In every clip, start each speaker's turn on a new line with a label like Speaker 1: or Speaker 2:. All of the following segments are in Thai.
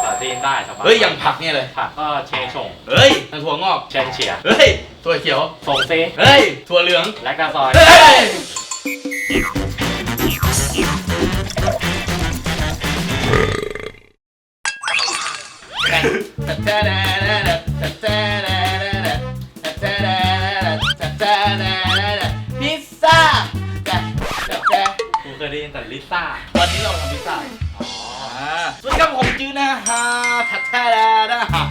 Speaker 1: าจีนได้สบาย
Speaker 2: เฮ้ยอย่างผักเนี่ยเลย
Speaker 1: ผักก็เชชง
Speaker 2: เฮ้ยถั่วงอก
Speaker 1: เชนเฉีย
Speaker 2: เฮ้ยถั่วเขียว
Speaker 1: ส่งซี
Speaker 2: เฮ้ยถั่วเหลือง
Speaker 1: และกาซอย
Speaker 2: เฮ้ยพิซซ่า
Speaker 1: กูเคยได้ยินแต่ลิซ่า
Speaker 2: วันนี้เราทำพิซซ่าสวัสดีครับผมจื้อนะฮะทัดแท้นะฮะ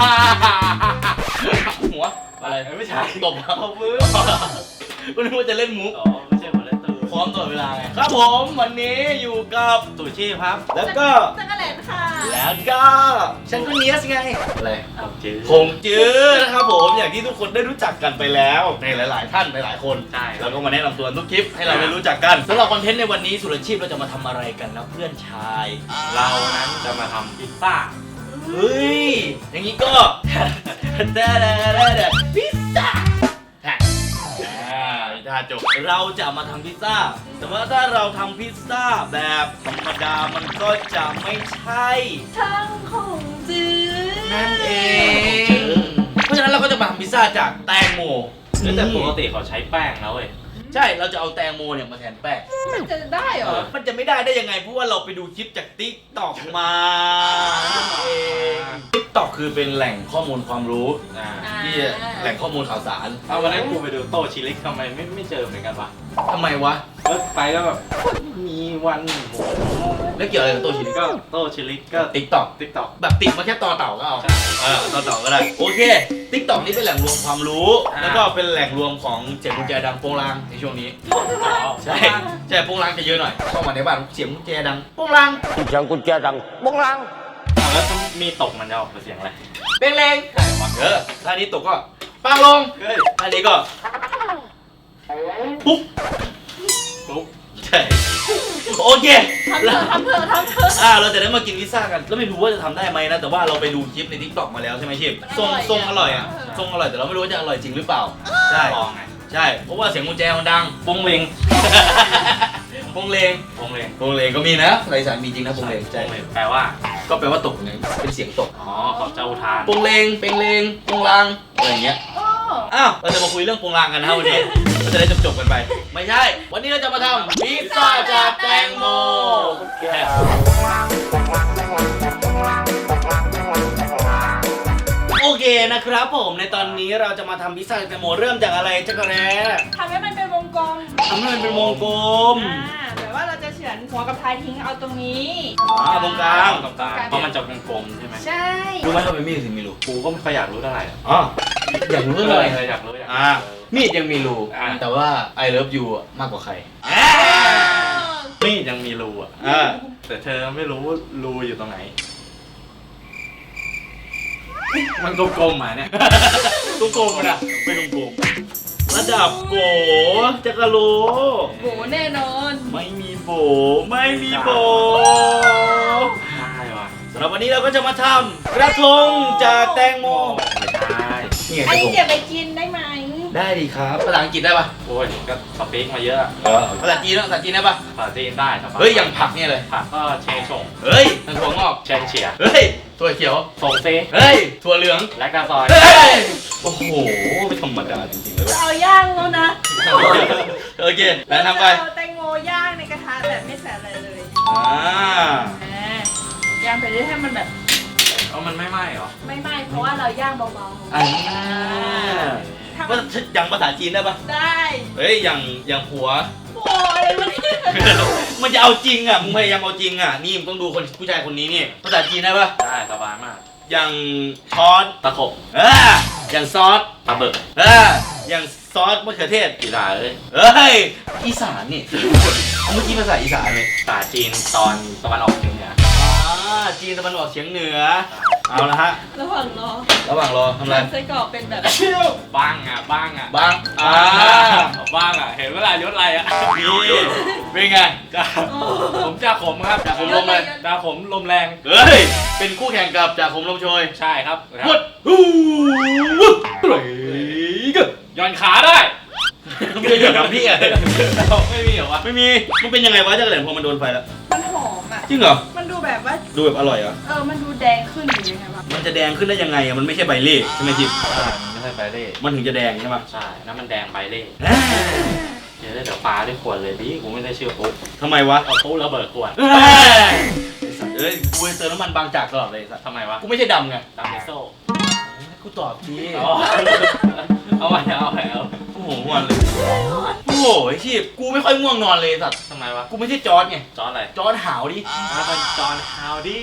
Speaker 2: หัวอะไร
Speaker 1: ไม่ใช่
Speaker 2: ตบครับมือก็นึกว่าจะเล่นมุก
Speaker 1: ไม่ใช่คนเล่นตื่น
Speaker 2: พร้อมตลอดเวลาไงครับผมวันนี้อยู่กับ
Speaker 1: ตู่ชีพครับ
Speaker 2: แล้วก็
Speaker 3: จักรแลนค่ะ
Speaker 2: แล้วก็ฉันก็เนียสไงอะไร
Speaker 1: คง
Speaker 2: จื้อนะครับผมอย่างที่ทุกคนได้รู้จักกันไปแล้วในหลายๆท่านหลายๆคน
Speaker 1: ใช่
Speaker 2: เราก็มาแนะนำตัวทุกคลิปให้เราได้รู้จักกันสำหรับคอนเทนต์ในวันนี้สุรชีพเราจะมาทำอะไรกันนะเพื่อนชาย
Speaker 1: เรานั้นจะมาทำพิซซ่า
Speaker 2: เฮ้ยอย่างนี้ก็พิซซ่าถ้าจบเราจะมาทำพิซซ่าแต่ว่าถ้าเราทำพิซซ่าแบบธรรมดามันก็จะไม่ใช่
Speaker 3: ช่างของจื้อ
Speaker 2: นั่นเองเพราะฉะนั้นเราก็จะมาทำพิซซ่าจากแตงโม
Speaker 1: แต่ปกติเขาใช้แป้งนะเว้ย
Speaker 2: ใช่เราจะเอาแตงโมเนี่ยมาแทนแป้ง
Speaker 3: มันจะได้เหรอ
Speaker 2: มันจะไม่ได้ยังไงเพราะว่าเราไปดูคลิปจาก TikTok มาเอง TikTok คือเป็นแหล่งข้อมูลความรู้ที่แหล่งข้อมูลข่าวสาร
Speaker 1: เอาวันนั้นกูไปดูโตชิลิกทำไมไม่เจอเหมือนกันวะ
Speaker 2: ทำไมวะ
Speaker 1: ไปแล้วแบบมีวันหมู
Speaker 2: แล้วเกี่ยวอะไรกับโตชิลิก
Speaker 1: ก็โตชิลิกก็
Speaker 2: TikTok แบบติดมาแค่ต่อเต่าก็เอาต่อเต่าก็ได้โอเค TikTok นี่เป็นแหล่งรวมความรู้แล้วก็เป็นแหล่งรวมของเสียงกุญแจดังโป้งลางในช่วงนี้ใช่โป้งลางจะเยอะหน่อยเข้ามาในบ้านเสียงกุญแจดังโป้งลาง
Speaker 4: เสียงกุญแจดังโป้งลาง
Speaker 1: แล้วถ้ามีตกมันจะออกเป็นเสียงอะไร
Speaker 2: เป้งเลงถ้านี้ตกก็ปังลงถ้านี้ก็ปุ๊บใช่โอเค
Speaker 3: ทำเถอะ
Speaker 2: เราจะได้มากินพิซซ่ากันแล้วไม่รู้ว่าจะทำได้ไหมนะแต่ว่าเราไปดูคลิปใน TikTok มาแล้วใช่ไหมชิปทรงอร่อยอ่ะทรงอร่อยแต่เราไม่รู้ว่าจะอร่อยจริงหรือเปล่าใช่เพราะว่าเสียงกุญแจมันดัง
Speaker 1: ปงเลง
Speaker 2: ปงเลงก็มีนะในสารมีจริงนะปงเลงใช่
Speaker 1: แปลว่า
Speaker 2: ก็แปลว่าตกไงเป็นเสียงตก
Speaker 1: เขาจะอุทาน
Speaker 2: ปงเลงเปงเลงปงลางอะไรอย่างเงี้ยเราจะมาคุยเรื่องปงลางกันนะวันนี้เราจะได้จบกันไปไม่ใช่วันนี้เราจะมาทำพิซซ่าจากแตงโมโอเคนะครับผมในตอนนี้เราจะมาทำพิซซ่าจากแตงโมเริ่มจากอะไรจักรแร้
Speaker 3: ทำให้มันเป็นวงกลมแบบว่าเราจะเฉือนหัวกับท้ายทิ้งเอาตรงนี้
Speaker 2: ตรงกลาง
Speaker 1: เพราะมันจะเป็นกลมใช่ไหม
Speaker 3: ใช่
Speaker 2: รู้ไหมทำไมมีดถึงมีรู
Speaker 1: กูก็ไม่ค่อยอยากรู้เท่าไหร่
Speaker 2: อยากรู้อะไร
Speaker 1: อยากรู้
Speaker 2: มีดยังมีรูแต่ว่า I love you มากกว่าใคร
Speaker 1: มีดยังมีรูแต่เธอไม่รู้รูอยู่ตรงไหนมันกลมๆมาเนี่ย
Speaker 2: กลมๆนะไม่กลมระดับโบจักรโล
Speaker 3: โบแน่นอน
Speaker 2: ไม่มีโบได้
Speaker 1: ว่ะ
Speaker 2: สำหรับวันนี้เราก็จะมาทำกระทงจากแตงโม
Speaker 3: ไอ้เก็บไปกินได้ไหม
Speaker 2: ได้ดีครับภาษาอังกฤษได้ปะ
Speaker 1: โอ้ยก็สปีกมาเยอะ
Speaker 2: ภาษาจีนได้ปะ
Speaker 1: ภาษาจีนได้
Speaker 2: เฮ้ยอย่างผักเนี่ยเลย
Speaker 1: ผักก็เชชง
Speaker 2: เฮ้ยถั่วงอก
Speaker 1: เชนเฉีย
Speaker 2: เฮ้ยถั่วเขียว
Speaker 1: ส่งซี
Speaker 2: เฮ้ยถั่วเหลือง
Speaker 1: และกาซอย
Speaker 2: โอ้โหไม่ธรรมดาจริงๆเลย
Speaker 3: เอาย่างแล้วนะ
Speaker 2: โอเคแล้วทำไป
Speaker 3: แตงโมย่างในกระทะแบบไม่ใส่อะไรเลยย่างไปเรื่อยให้มันแบบ
Speaker 1: มันไม่ไหม้หรอ
Speaker 3: ไม่ไหม้เพราะว่าเราย่างเบาๆ
Speaker 2: ว่าอย่างภาษาจีนได้ปะ
Speaker 3: ได้
Speaker 2: เฮ้ยอย่างผัว
Speaker 3: โอ้ย
Speaker 2: มันจะเอาจริงอ่ะมึงพยายามเอาจริงอ่ะนี่มึงต้องดูคนผู้ชายคนนี้นี่ภาษาจีนได้ปะ
Speaker 1: ได้สบายมาก
Speaker 2: อย่างช้อน
Speaker 1: ตะขบ
Speaker 2: อย่างซอส
Speaker 1: ตะเบิก
Speaker 2: อย่างซอสมะเขือเทศ
Speaker 1: อีสานเลย
Speaker 2: อีสานนี่เมื่อกี้ภาษาอีสานเลย
Speaker 1: ภาษาจีนตอนตะวันออกเฉียงเหนือ
Speaker 2: จีนตะวันออกเฉียงเหนือเอาละฮะ
Speaker 3: ระหว่าง
Speaker 2: รอทำอะไร
Speaker 3: ไส้กรอกเป็นแบบ
Speaker 1: บ้างเห็นเวลายศอะไร
Speaker 2: นี่เป็นไง
Speaker 1: ผมจ่าขมครับ
Speaker 2: จ่าขมลมเลย
Speaker 1: จ่าขมลมแรง
Speaker 2: เป็นคู่แข่งกับจ่าขมลมโชย
Speaker 1: ใช่ครับ
Speaker 2: วุด
Speaker 1: ย้อนขาได้
Speaker 2: ไม่ได้กับพี่
Speaker 1: ไม่มีเหรอวะ
Speaker 2: ไม่มีมันเป็นยังไงวะจักรแหลมพอมันโดนไฟแล้ว
Speaker 3: มันหอมอ่ะ
Speaker 2: จริงเหรอ
Speaker 3: มันดูแแบบว่า
Speaker 2: ดูแบบอร่อยเหรอ
Speaker 3: มันดูแดงขึ้นหรือยังไงวะ
Speaker 2: มันจะแดงขึ้นได้ยังไงอะมันไม่ใช่ใบเล่ใช่ไหมทิพย์
Speaker 1: ใช่มันไม่ใช่ใบเล่
Speaker 2: มันถึงจะแดงใช่ไหม
Speaker 1: ใช่นั่นมันแดงใบเล่เดี๋ยวปลาด้วยขวดเลยดิกูไม่ได้เชื่อปุ๊บ
Speaker 2: ทำไมวะ
Speaker 1: เอาปุ๊บระเบิดขวด
Speaker 2: เอ้ยกูจะเติมน้ำมันบางจากตลอดเลยสัตว์
Speaker 1: ทำไมวะ
Speaker 2: กูไม่ใช่ดำไง
Speaker 1: ตามเอโซ่
Speaker 2: กูตอบที
Speaker 1: เอาไปเอา
Speaker 2: โอ้โหง่วงเลยโอ้โหไอ้ชีพกูไม่ค่อยง่วงนอนเลยสัตว์
Speaker 1: ทำไมวะ
Speaker 2: กูไม่ใช่จอร์ดไง
Speaker 1: จอร์จอะไร
Speaker 2: จอร์ดหาวดิ
Speaker 1: เป็นจอห์นฮาวดี้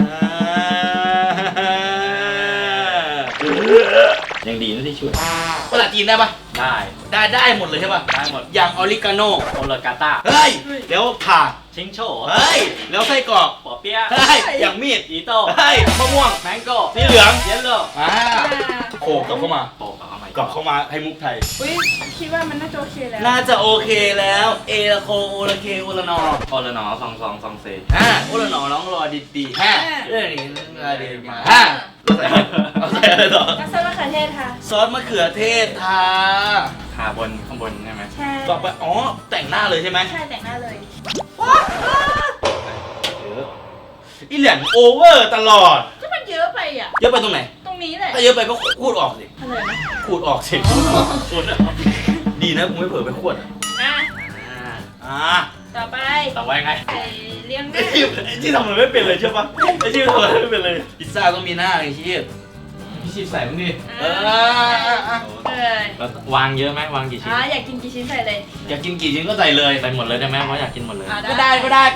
Speaker 2: ยังดีนะที่ช่วยภาษาจีนได้ปะ
Speaker 1: ได้
Speaker 2: ได้หมดเลยใช่ปะ
Speaker 1: ได้หมด
Speaker 2: อย่างออริกาโน
Speaker 1: โอเลกาต้า
Speaker 2: เฮ้ยแล้วผ่า
Speaker 1: ชิงโฉ
Speaker 2: เฮ้ยแล้วไส้กรอก
Speaker 1: ปอเปี๊ยะ
Speaker 2: เฮ้ยอย่างมีด
Speaker 1: อีโต้
Speaker 2: เฮ้ยมะม่วง
Speaker 1: แมงโก้
Speaker 2: สีเหลือง
Speaker 1: เยลโล่
Speaker 2: โขกกลับเข้ามา
Speaker 1: โอ้เอาใหม่
Speaker 2: กลับเข้ามาให้มุกไทย
Speaker 3: อุ้ยคิดว่ามันน่าจะโอเคแล้ว
Speaker 2: น่าจะโอเคแล้วเอละโคโอละเคโอละนอ
Speaker 1: โอละหนอซองเซ
Speaker 2: โอละนอน้องรอดีๆเรื่องนี้รอดีมา
Speaker 3: อ่า
Speaker 2: เอาใส่อะไรต่อ
Speaker 3: ก็ซอสมะเขือเทศค่ะ
Speaker 2: ซอสมะเขือเทศทา
Speaker 1: ทาข้างบนใช่ไหม
Speaker 3: ใช่
Speaker 2: ต่อไปอ๋อแต่งหน้าเลยใช่ไหม
Speaker 3: ใช่แต่งหน้าเลย
Speaker 2: อีแหลมโอเวอร์ตลอด
Speaker 3: ก็มันเยอะไปอ่ะ
Speaker 2: เยอะไปตรงไหน
Speaker 3: ตรงนี้แหละ
Speaker 2: ถ้าเยอะไปก็ขูดออกสิ
Speaker 3: อะไรนะ
Speaker 2: ขูดออกสิขูดออกดีนะกูไม่เผลอไปขวด
Speaker 3: อ่ะ
Speaker 2: อ่า
Speaker 3: ต่อไป
Speaker 1: ต่อไว้ไง
Speaker 3: ใส่เลี้ยงห
Speaker 2: ไอ้
Speaker 3: น้า
Speaker 2: ชีพทำอะไรไม่เป็นเลยใช่ปะไอ้ชีพทำอะไรไม่เป็นเลยพิซซ่าต้องมีหน้าไอ้ชีพพี่ชีพใส่มึงดิ
Speaker 3: เออ
Speaker 1: แล้ววางเยอะไหมวางกี่ชิ้น
Speaker 3: อยากกินกี่ชิ้นใส่เลย
Speaker 2: อยากกินกี่ชิ้นก็ใส่เลย
Speaker 1: ใส่หมดเลยได้ไหมเพราะอยากกินหมดเลย
Speaker 3: อ่ะ
Speaker 2: ก็ได้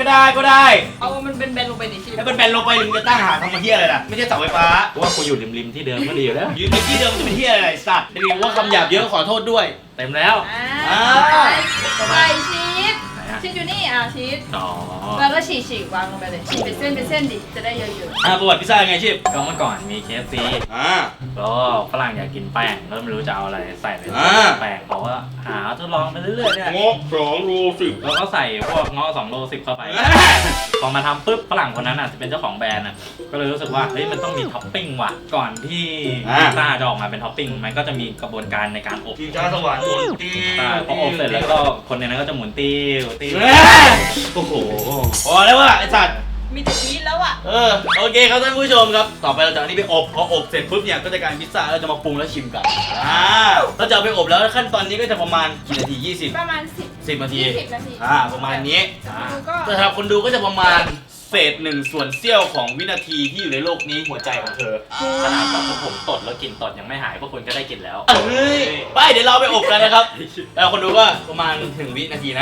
Speaker 3: เอามันเป็นแบนลงไปดิชิ
Speaker 2: ให้เป็นแบนลงไปถึงจะตั้งหาทำมาเที่ยอะไรล่ะไม่ใช่เสาไฟฟ้า
Speaker 1: เพราะว่ากูอยู่ริมที่เดิมก็ดีอยู่แล้ว
Speaker 2: ยืนในที่เดิมจะเป็นเที่ยอะไรสัตว์จะมีว่าคำหยาบเยอะขอโทษด้วย
Speaker 1: เต็มแล้ว
Speaker 3: ใส่ชีสชีสอยู่นี่ชีส
Speaker 1: อ๋อ
Speaker 3: แล้วก็ฉีกวางลงไปเลยฉีกเป็นเส้นดิจะได้เยอะ
Speaker 2: ประวัติพิซซ่าไงชีพ
Speaker 1: ก็เมื่อก่อนมี KFC ก็ฝรั่งอยากกินแป้งก็ไม่รู้จะเอาอะไรใส่เลยแป้งเขาก็หาทดลองไปเรื่อยๆเนี่ย
Speaker 2: งก2 รู 10
Speaker 1: แล้วก็ใส่พวกง้อ2 โล 10เข้าไป พอมาทำปุ๊บฝรั่งคนนั้นจะเป็นเจ้าของแบรนด์ก็เลยรู้สึกว่าเฮ้ยมันต้องมีท็อปปิ้งว่ะก่อนที่พิซซ่าจะออกมาเป็นท็อปปิ้งมันก็จะมีกระบวนการในการอบ
Speaker 2: ทีมชาติสวรรค์หมุนตี
Speaker 1: พออบเสร็จแล้วก็คนในนั้นก็จะหมุนติ้ว
Speaker 2: โอ้โหพอแล้วว่ะไอ้สัตว์
Speaker 3: ๆมีแต่ชีสแล้วอ่ะ
Speaker 2: โอเคครับท่านผู้ชมครับต่อไปเราจะเอาอันนี้ไปอบพออบเสร็จปุ๊บเนี่ยก็จะกลายเป็นพิซซ่าเราจะมาปรุงแล้วชิมกันเราจะเอาไปอบแล้วขั้นตอนนี้ก็จะประมาณกี่นาที20
Speaker 3: ประมาณ
Speaker 2: 10 นาที
Speaker 3: 20 นาที
Speaker 2: ประมาณนี้
Speaker 3: ก็
Speaker 2: แต่สำหรับคนดูก็จะประมาณเศษ1 ส่วนเสี้ยวของวินาทีที่อยู่ในโลกนี้หัวใจของเธอ
Speaker 1: ขนาดแบบพวกผมตดแล้วกลิ่นตดยังไม่หายพวกคุณก็ได้กลิ่นแล้ว
Speaker 2: เฮ้ยไปเดี๋ยวเราไปอบกันนะครับแล้วคนดูก็ประมาณถึงวินาทีนะ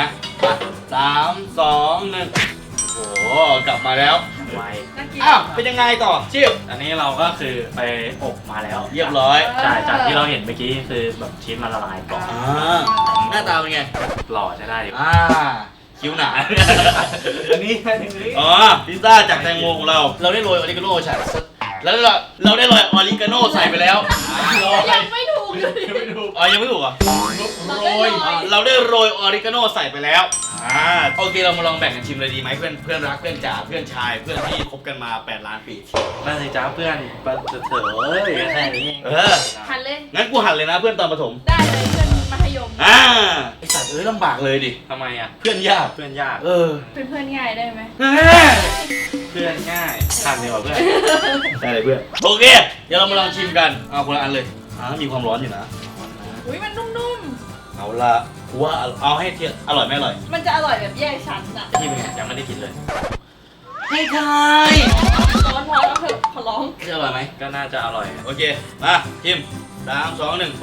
Speaker 2: 3 2 1โอ้โหกลับมาแล้ว
Speaker 1: ไว
Speaker 3: น่ากิน
Speaker 2: เป็นยังไงต่อชิบ
Speaker 1: อันนี้เราก็คือไปอบมาแล้ว
Speaker 2: เรียบร้อย
Speaker 1: ใช่จากที่เราเห็นเมื่อกี้คือแบบชีสมันละลายก่อน
Speaker 2: หน้าตาเป็นไง
Speaker 1: หล่อใช้ได้อยู่
Speaker 2: คิ้วหนา
Speaker 1: อันนี้
Speaker 2: พิซซ่าจากแตงโมของเราได้โรยออริกาโน่ใส่แล้วเราได้โรยออริกาโน่ใส่ไปแล้ว
Speaker 3: ยังไม่ถูกเลย
Speaker 2: ยังไม่ถูกเหรอเราได้โรยออริกาโน่ใส่ไปแล้วโอเคเรามาลองแบ่งกันชิมเลยดีไหมเพื่อนรักเพื่อนจ๋าเพื่อนชายเพื่อนที่คบกันมา8 ล้านปี
Speaker 1: นั่นสิจ้าเพื่อนปะเถอะแค่นี้
Speaker 3: หันเลย
Speaker 2: งั้นกูหันเลยนะเพื่อนตอนประถม
Speaker 3: ได้เลยเพื่อนมัธยม
Speaker 2: ไอสัตว์ลำบากเลยดิ
Speaker 1: ทำไมอ่ะ
Speaker 2: เพื่อนยาก
Speaker 1: เพื่อนยาก
Speaker 3: เป็นเพื่อนง่ายได้ไหม
Speaker 1: เพื่อนง่ายทำดีกว่าเพื่อน
Speaker 2: ได้เลยเพื่อนโอเคเดี๋ยวเรามาลองชิมกันเอาคนละอันเลยมีความร้อนอยู่นะ
Speaker 3: อุ้ยมันนุ่ม
Speaker 2: เอาละกูว่าเอาให้เทียบอร่อยไม่อร่อย
Speaker 3: ๆ มันจะอร่อยแบบแยกชั้นอ่ะ
Speaker 1: ที่เป็นไงยังไม่ได้กินเลย
Speaker 2: ให้ทาย
Speaker 3: ร้อนพอแล้วเถอะขอร้อง
Speaker 2: จะอร่อยไหม
Speaker 1: ก็น่าจะอร่อย
Speaker 2: โอเคมาชิม3 2 1ไป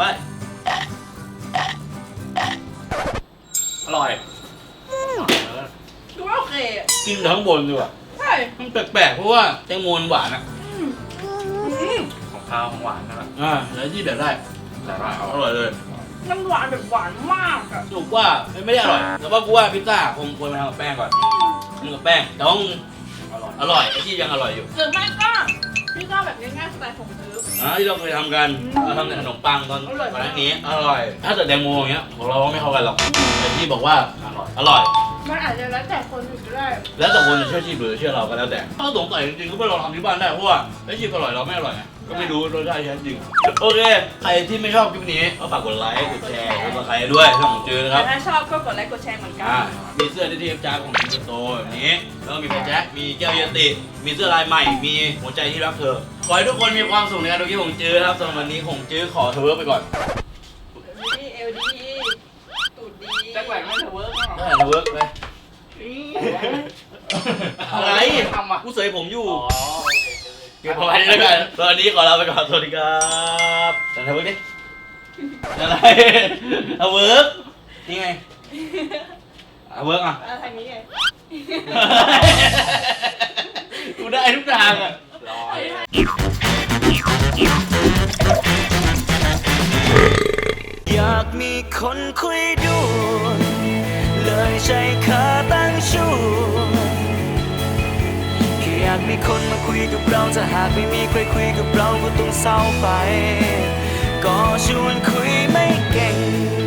Speaker 1: อร่อย
Speaker 3: ดูว่าโอเคอ่ะ
Speaker 2: กินทั้งบนดีกว่า
Speaker 3: ใช่
Speaker 2: มันแปลกๆเพราะว่าแตงโมมันหวานอ่ะ
Speaker 1: ของข้าวของหวานนั่นแหละ
Speaker 2: แล้วที่แบบได้
Speaker 1: แต่ว่า
Speaker 2: อร่อยเลย
Speaker 3: น้ำหวานแบบหวานมากอ่ะ
Speaker 2: สรุปว่าไม่ได้อร่อยแต่ว่ากูว่าพิซซ่าคงควรมาทำกับแป้งก่อนทำกับแป้งแต่ว่า
Speaker 1: อร่อย
Speaker 2: อร่อยไอ้ที่ยังอร่อยอยู่
Speaker 3: หรือไม่ก็พี่ก็แบบง่ายๆสไตล์ผมซื้อ
Speaker 2: ที่เราเคยทำกันเราทำแต่ขนมปังตอน
Speaker 3: อร่อย
Speaker 2: ก่อนหน้านี้อร่อย ถ้าเกิดแตงโมอย่างเงี้ยของเราไม่เข้ากันหรอกแต่ที่บอกว่า
Speaker 1: อร่อย
Speaker 2: อร่อย
Speaker 3: มันอาจจะแล้วแต่คนอื่นก็ได้
Speaker 2: แล้วแต่คนจะเชื่อชีพหรือเชื่อเราก็แล้วแต่ถ้าสงสัยจริงๆก็ไปลองทำที่บ้านได้เพราะว่าไอ้ชีพอร่อยเราไม่อร่อยไงก็ไม่รู้รสชาติแท้จริงโอเคใครที่ไม่ชอบคลิปนี้ก็ฝากกดไลค์กดแชร์กดซับสไครต์ด้วยช่องของจือนะครับ
Speaker 3: แต่ถ้าชอบก็กดไลค์กดแชร์เหมือนกัน
Speaker 2: มีเสื้อที่เทปจ้าของจิงโตแบบนี้แล้วก็มีแจ็คมีแก้วเยติมีเสื้อลายใหม่มีหัวใจที่รักเธอขอให้ทุกคนมีความสุขในการดูคลิปของจือครับสำหรับวันนี้ของจือขอเทเวิร์กไปก่อน
Speaker 3: ดีเอลดีตูดดี
Speaker 5: จักแหวนไม่เธอเวิร์ก
Speaker 2: ได้เทเวิร์กไปอะไร
Speaker 5: ทำอ่ะ
Speaker 2: กูเสยผมอยู่
Speaker 5: อ๋อโอเค
Speaker 2: เก็บเอาไว้แล้วกันตอนนี้ขอลาไปก่อนสวัสดีครับแต่เทเวิร์กดิอะไรเทเวิร์กนี่ไงเทเวิร์กอ่ะ
Speaker 3: อะไรทางนี้ไง
Speaker 2: กูได้ทุกทางอ่ะ
Speaker 5: รอ
Speaker 6: อยากมีคนคุยด้วยเลยใช้ขาตั้งชูแค่อยากมีคนมาคุยกับเราถ้าหากไม่มีใครคุยกับเราก็ต้องเศร้าไป ก็ชวนคุยไม่เก่ง